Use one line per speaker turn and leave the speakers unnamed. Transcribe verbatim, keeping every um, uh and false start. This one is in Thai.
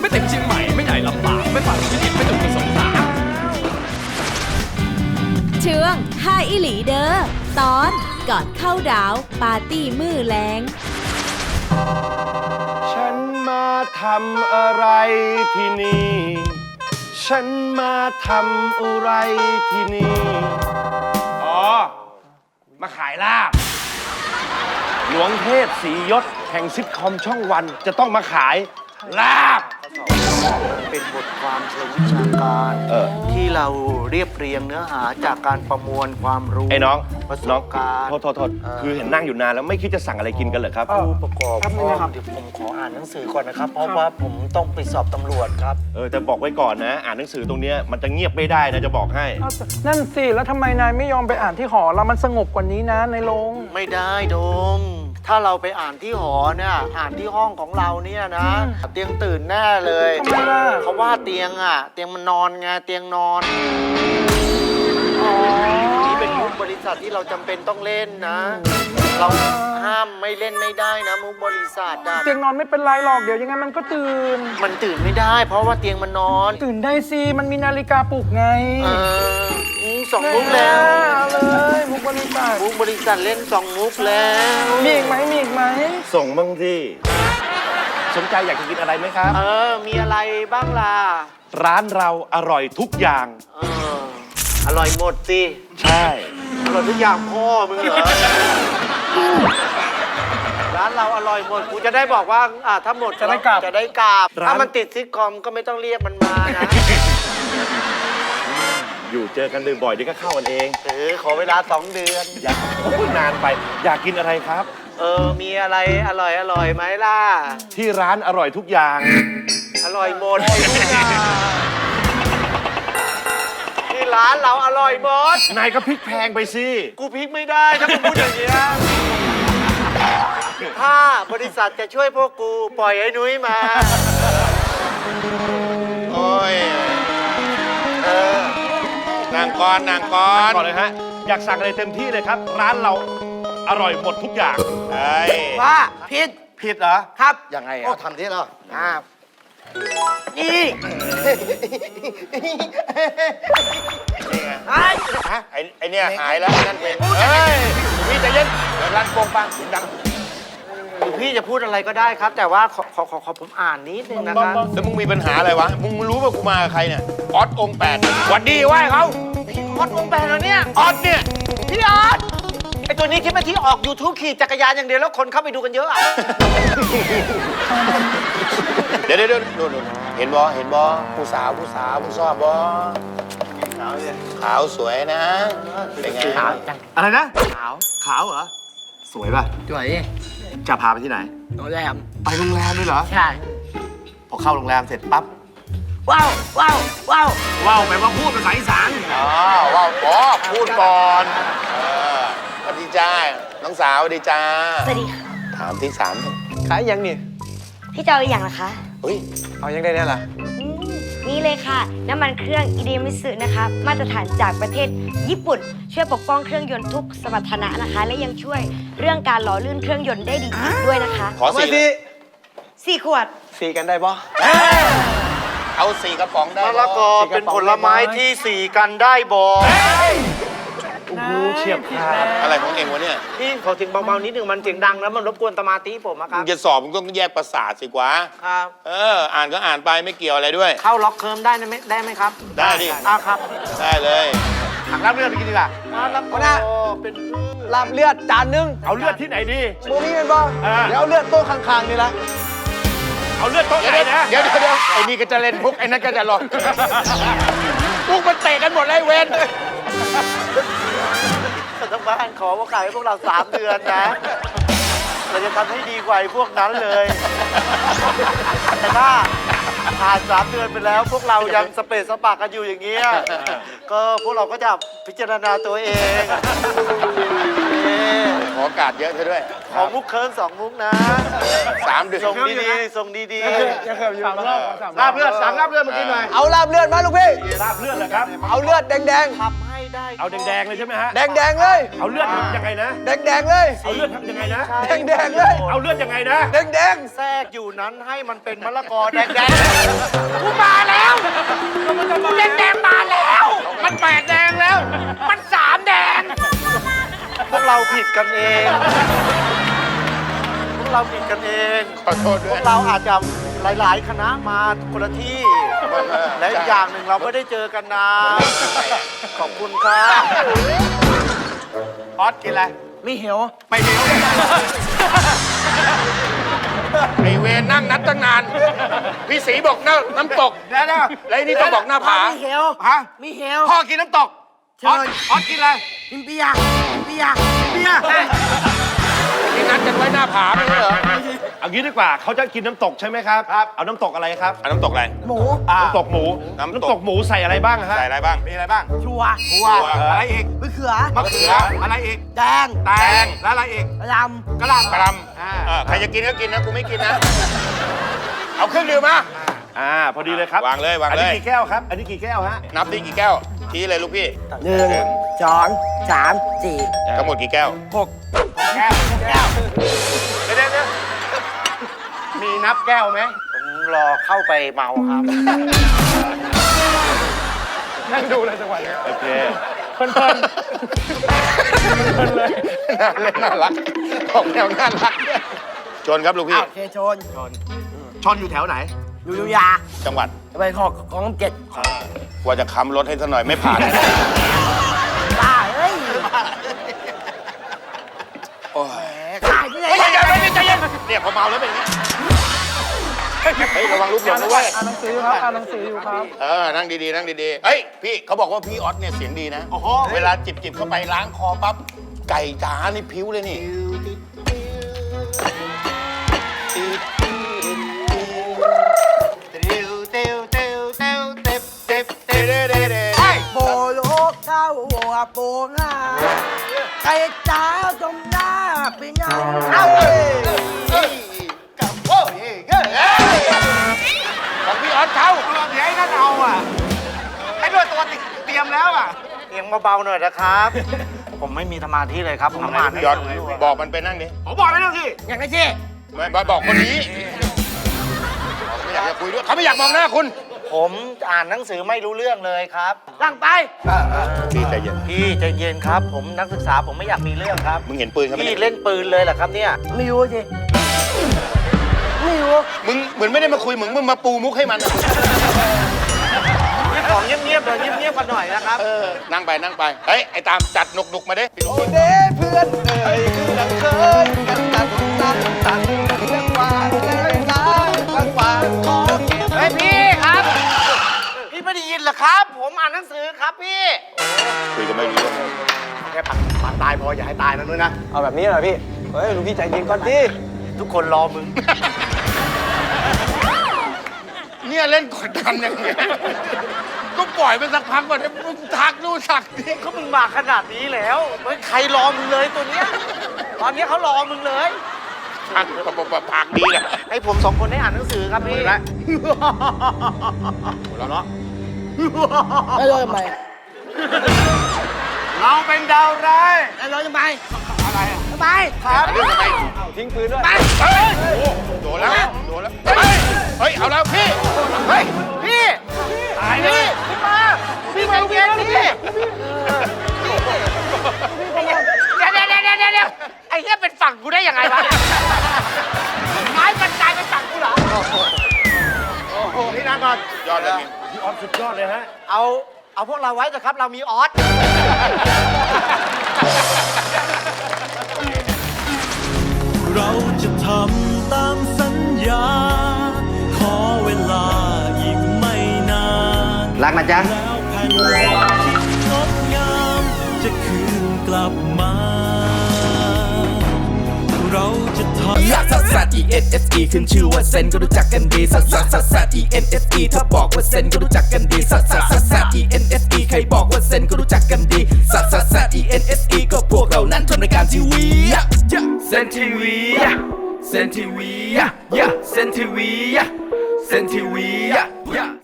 เต็มเชียงใหม่ไม่ใหญ่ลำบากไม่ฝันไม่ดิบไม่ถึงกระสงสาร
เชื่องห้าอิหลีเดอตอนก่อนเข้าดาวปาร์ตี้มือแรง
ฉันมาทำอะไรที่นี่ ฉันมาทำอะไรที่นี่ อ๋อ มาขายลาบ หลวงเทพศรียศแห่งซิทคอมช่องวันจะต้องมาขายลาบ
เป็นบทความเชิงวิชาการ
เออ
ที่เราเรียบเรียงเนื้อหาจากการประมวลความรู้
ไอ้น้อง
ประส
น้อง
บการณ์
โทษโทษโทษคือเห็นนั่งอยู่นานแล้วไม่คิดจะสั่งอะไรกินกันเหรอครับ
ผู้ประกอบข้อเดี๋ยวผมขออ่านหนังสือก่อนนะครับ เพราะว่าผมต้องไปสอบตำรวจครับ
เออแต่บอกไว้ก่อนนะ อ่านหนังสือตรงเนี้ยมันจะเงียบไม่ได้นะจะบอกให้
อ้าวนั่นสิ แล้วทำไมนายไม่ยอมไปอ่านที่หอเรามันสงบกว่านี้นะในโรง
ไม่ได้โดม ถ้าเราไปอ่านที่หอเนี่ยอ่านที่ห้องของเราเนี่ยนะ เตียงตื่นแน่เลย
ทำไมล่ะ
เขาว่าเตียงอ่ะ เตียงมันนอนไงเตียงนอน
อ๋อ
นี่เป็นมุกบริษัทที่เราจำเป็นต้องเล่นนะ เราห้ามไม่เล่นไม่ได้นะมุกบริษัทอะ
เตียงนอนไม่เป็นไรหรอกเดี๋ยวยังไงมันก็ตื่น
มันตื่นไม่ได้ เพราะว่าเตียงมันนอน
ตื่นได้สิมันมีนาฬิกาปลุกไง
เอออืมสองมุกแล้ว
เอาเลยมุกบริษัท
มุกบริษัทเล่นสองมุกแล้ว
มีอีกไหมมีอีกไหม
ส่งบ้างที่สนใจอยากจะกินอะไรไหมครับ
เออ มีอะไรบ้างล่ะ
ร้านเราอร่อยทุกอย่าง
เอออร่อยหมดสิ
ใช่
อร่อยทุกอย่างพ่อมึงเหรอ ร้านเราอร่อยหมดกูจะได้บอกว่าอ่าถ้าหมด
จะได้กลับ
จะได้กลับถ้ามันติดซิทคอมก็ไม่ต้องเรียกมันมานะ
อยู่เจอกันบ่อยๆเดี๋ยวก็เข้ากันเอง
เออขอเวลาสองเดือน
อยากโอ้ยนานไป อยากกินอะไรครับ
เออ มีอะไรอร่อยอร่อยไหมล่ะ
ที่ร้านอร่อยทุกอย่าง
อร่อยหมดทุกอย่างที่ร้านเราอร่อยหมด
นายก็พริกแพงไปสิ
กูพลิกไม่ได้ถ้ามึงพูดอย่างเงี้ยถ้าบริษัทจะช่วยพวกกูปล่อยไอ้นุ้ยมา
โอ้ย
เออ
นางกรนางกร
ก่อนเลยฮะ อยากสั่งอะไรเต็มที่เลยครับ ร้านเราอร่อยหมดทุกอย่าง
เฮ้ย
ว่าผิด
ผิดเหรอ
ครับ
ยังไง
โอ้
อ่ะ
ทำที่เราอ่านี่
นี่ไง
ไอ้
ฮะไอ้ไอ้เนี่ยหายแล้วไอ้นั่นเป็น เฮ้ยพี่ใจเย็นเดี๋ยวร้านโป่งปังเสียงดัง
พี่จะพูดอะไรก็ได้ครับ แต่ว่าขอขอขอขอผมอ่านนิดนึงนะครับ
แล้วมึงมีปัญหาอะไรวะ มึงรู้ป่ะกูมากับใครเนี่ย ออสองค์แปดหวัดดีไหว้เขา
ออดวงแปลแล้วเนี่ย
ออสเนี่ย
พี่ออดไอตัวนี้คิดว่าที่ออก YouTube ขี่จักรยานอย่างเดียวแล้วคนเข้าไปดูกันเยอะอะ
เดี๋ยวเดี๋ยวเดี๋ยวดูดูเห็นบอเห็นบอผู้สาวผู้สาวผู้ชอบบอขาวสวยนะ เป็นไง
อะไรนะ ขาว ขาวเหรอ สวยป่ะ
สวย
จะพาไปที่ไหน
โรงแรม
ไปโรงแรมด้วยเหรอ
ใช่
พอเข้าโรงแรมเสร็จปั๊บ
ว้าวว้าวว้าว
ว้าวแปลว่าพูดภาษาอีสาน
อ๋อว้าวอ๋อพูดก่อนเออสวัสดีจ้า น้องสาวสวัสดีจ้า
สวัสดีค่ะ
ถามที่สาม
ขายยังนี่
พี่จะเอาอย่างละคะ
เฮ้ย
เอายังได้เนี่ยล่ะ
อืมนี่เลยค่ะ น้ำมันเครื่องอิเดมิสึนะคะ มาตรฐานจากประเทศญี่ปุ่น ช่วยปกป้องเครื่องยนต์ทุกสมรรถนะนะคะ และยังช่วยเรื่องการหล่อลื่นเครื่องยนต์ได้ดีอีกด้วยนะคะ
ขอสี่
สี่ขวด
สีกันได้ปะ
เอาสี่กระป๋องได้
มะละกอเป็นผลไม้ที่สี่กันได้บอก
โอ้โหเฉียบขาด
อะไรของเองวะเนี่ย
พี่ขอถึงเบาๆนิดหนึ่งมันเสียงดังแล้วมันรบกวนสมาธิผมอะค
มึ
รับ
งจะสอบมึงต้องแยกประสาทสิกว่า
ครับ
เออ อ่านก็อ่านไปไม่เกี่ยวอะไรด้วย
เข้าล็อกเคิร์มได้ไหมได้ไหมครับ
ได้ดิ
อ่ะครับ
ได้เลย
หักรับเลือดไปกินดีกว่า
มะละกอเป็นพืช
ลาบเลือดจานนึง
เอาเลือดที่ไหนดี
โมนี่เป็นปะ
อ่า
เดี๋ยวเอาเลือดโต๊ะข้างๆนี่ละ
เอาเลือดโต๊ะไหนนะ
เดี๋ยวเดี๋ยวเดี๋ยวไอ้นี่ก็จะเล่นพุกไอ้นั่นก็จะหลอกพุกมันเตะกันหมดเลยเวน
ทั้งบ้านขอว่าขายให้พวกเราสามเดือนนะ เราจะทำให้ดีกว่าไอ้พวกนั้นเลย แต่ถ้าผ่านสามเดือนไปแล้ว พวกเรายังสเปซสปากันอยู่อย่างเงี้ย ก็พวกเราก็จะพิจารณาตัวเองเอ๊ะ
ขอโอกาสเยอะเธอด้วย
ขอมุกเคิร์นสองมุกนะ
สามเดือน
ส่งดีๆส่งดี
ยังเคยอยู่สามรอบสามร
ลา
อ
บบ เลือดสั่งลาบเลือดมากินหน่อย
เอาลาบเลือดมาลูกพี่
ลาบเลือดเหรอครับ
เอาเลือดแดง
ๆทำให้ได้
เอาแดงๆเลยใช่ไหมฮะ
แดงแดงๆเลย
เอาเลือดยังไงนะ
แดงแดงๆเลย
เอาเลือดทำยังไงนะ
แดงแดงๆเลย
เอาเลือดยังไงนะ
แดงแดง
แทรกอยู่นั้นให้มันเป็นมะละกอแดงแดง
กูมาแล้วกูเล่นแดงมาแล้ว มันแปดแดงแล้ว มันสามแดง
พวกเราผิดกันเอง พวกเราผิดกันเอง
ขอโทษ
พ
ด้
ว
วย
กเราอาจจะหลาย ๆ คณะมาคนละที่ และอีกอย่างหนึ่งเราไม่ได้เจอกันนานขอบคุณครับ
ออสกินอะไร
มีเหี่ยว
ไม่เดียว
ไอเวรนั่งนัดตั้งนาน พี่สีบอกน้ำน้ำตก
เดี๋ยวนะ
แล้วไอ้นี่ต้องบอกหน้าผา
มีเหี่ยว
ฮะ
มีเหี่ยว
พ่อกินน้ำตกออสออสกินอะไร
กินเบียร์กินเบียร์เบียร์
ที่นัดกันไว้หน้าผาไม่ใช่เหรอ
เอางี้ดีกว่าเขาจะกินน้ำตกใช่ไหมครับครับเอาน้ำตกอะไรครับ
อันน้ำตกอะไร
หมู
น้ำตกหมู
น้ำตก
น้ำตกหมูใส่อะไรบ้างฮะ
ใส่อะไรบ้าง
มีอะไรบ้าง
ชัว
ถั่วอะไรอีก
มะเขือ
มะเขืออะไรอีก
แดง
แตงแล้วอะไรอีก
ล
กระหล่ำ
กระล
อ่า
ำเออใครจะกินก็กินนะ กูไม่กินนะ เอาเครื่องดื่มมา
อ่าพอดีเลยครับ
วางเลยวาง
อัน
เล
นี้
ย
กี่แก้วครับ อันนี้กี่แก้วฮะ
นับดิกี่แก้วชี้เลยลูกพี่
ำหนึ่งสองสามสี่
ทั้งหมดกี่แก้ว
หกแก้วแก้วเดี๋ยวเดี๋ยวมีนับแก้วไหม
ผมรอเข้าไปเมาครับ
นั่งดูเลยจังหวะนี้
โอเค
เพลินเพลินเพลินเลย
น่าเล่นน่ารักออกแนวน่ารักชนครับลูกพี่
โอเคชน
ชนอยู่แถวไหน
อยู่ยุธยา
จังหวัด
ไปขอของเจ็ด
ว่าจะค้ำรถให้ซะหน่อยไม่ผ่าน
บ้าเอ้ย
โอ้ย
ขายที่ไหน
ใจเย็นใจเย็นเนี่ยพอเมาแล้วเป็นอย่างนี้เฮ้ยระวังลูกหลงด้วย
อ่านหนังสืออยู่ครับอ่านหนังสืออยู่ครับ
เออ นั่งดีๆ นั่งดีๆ เฮ้ย พี่เขาบอกว่าพี่ออสเนี่ยเสียงดีนะ
โอ้โห
เวลาจิบจิบๆเข้าไปล้างคอปั๊บ ไก่จ๋านี่พิ้วเลยนี่
โบโลกเข้าหัวโปงหาไก่จ้าจมหน้าเป็นไงเอ้า
ของพี่ออสเขา
เดี๋ยวไอ้นั่นเอาอ่ะไอ้ด้วยตัวเตรียมแล้วอ่ะ
เอียงเบาๆหน่อยนะครับ ผมไม่มีสมาธิเลยครับ ผมอ่าน
พี่ออสบอกมันไปนั่งดิ
ผมบอกไม่ต้องที่
อย่างไรที่
ไม่บอกบอกคนนี้ไม่อยากจะคุยด้วยเขาไม่อยากมองหน้าคุณ
ผมอ่านหนังสือไม่รู้เรื่องเลยครับ
ตั้งไป
พี่ใจเย็น
พี่ใจเย็นครับ ผมนักศึกษาผมไม่อยากมีเรื่องครับ
มึงเห็นปืนเขาไหม
พี่
เนี่ย
เล่นปืนเลยเหรอครับเนี่ย
ไม่รู้สิไม่รู้
มึงเหมือนไม่ได้มาคุยมึงมึงมาปูมุกให้มันอะ
ของเงียบๆเดี๋ยวเงียบๆกันหน่อยนะครับ
เออ นั่งไปนั่งไป เฮ้ย ไอ้ตามจัดหนุกหนุกๆมาดิพี่ลูก
โอเด้เพื่อนเอ่ยคือดังเคยกันตันตันตันเรื่องว่าเรื่องน้ำบางว่าขอเก็บ
เฮ้ยพี่ครับ พี่ไม่ได้ยินเหรอครับ ผมอ่านหนังสือครับพี่
คุยกันไม่รู้เรื่อง
แค่ปัดปัดตายพออย่าให้ตายนะนุ้ยนะ
เอาแบบนี้หน่อยพี่ เฮ้ยลูกพี่ใจเย็นก่อนดิ
ทุกคนรอมึง
เนี่ยเล่นกดดันอย่างเงี้ยก็ปล่อยไปสักพักก่อนให้มึงทักนู่นทักนี่
ก็มึงมาขนาดนี้แล้วเฮ้ยใครรอมึงเลยตัวเนี้ย ตอนนี้เขารอมึงเลย
ทักปะปะปะปากดีนะ
ให้ผมสองคนได้อ่านหนังสือครับพี่
แล้วหัวเราะเนาะ
ไอ้ร้อยทำไม
เราเป็นดาวร้าย
ไอ้ร้อยทำไม
อะไรอ่ะ
ทำไม
ครับเรื่องทำไม
ทิ้งปืนด้วย
เฮ้ยโอ้โดนแล้วโดนแล้ว เฮ้ย เฮ้ย เอาแล้วพี่ เฮ้ย
พี่
ตายเลย
พี่มาพี่ใจเย็นพี่
เดี๋ยวเดี๋ยวเดี๋ยวเดี๋ยวเดี๋ยวไอ้เหี้ยเป็นฝั่งกูได้ยังไงวะไม้บรรจายเป็นฝั่งกูเหรอ
นี่นะก่อน
ยอดเลยพี่
พี่ออฟสุดยอดเลยฮะ
เอาเอาพวกเราไว้เถอะครับ เรามีออส
เราจะทำตามสัญญา ขอเวลาอีกไม่นาน
รักนะจ๊ะ
แล้วแผ่นดินที่งดงามจะคืนกลับมา เราจะทำ
ลักซัสซัส E N S E ขึ้นชื่อว่าเซนก็รู้จักกันดีซัสซัสซัสซัส E N S E ถ้าบอกว่าเซนก็รู้จักกันดีซัสซัสซัสซัส E N S E ใครบอกว่าเซนก็รู้จักกันดีซัสซัสซัส E N S E ก็พวกเรานั้นทำรายการทีวีเซนทีวีเซนทีวีเซนทีวีเซนทีวี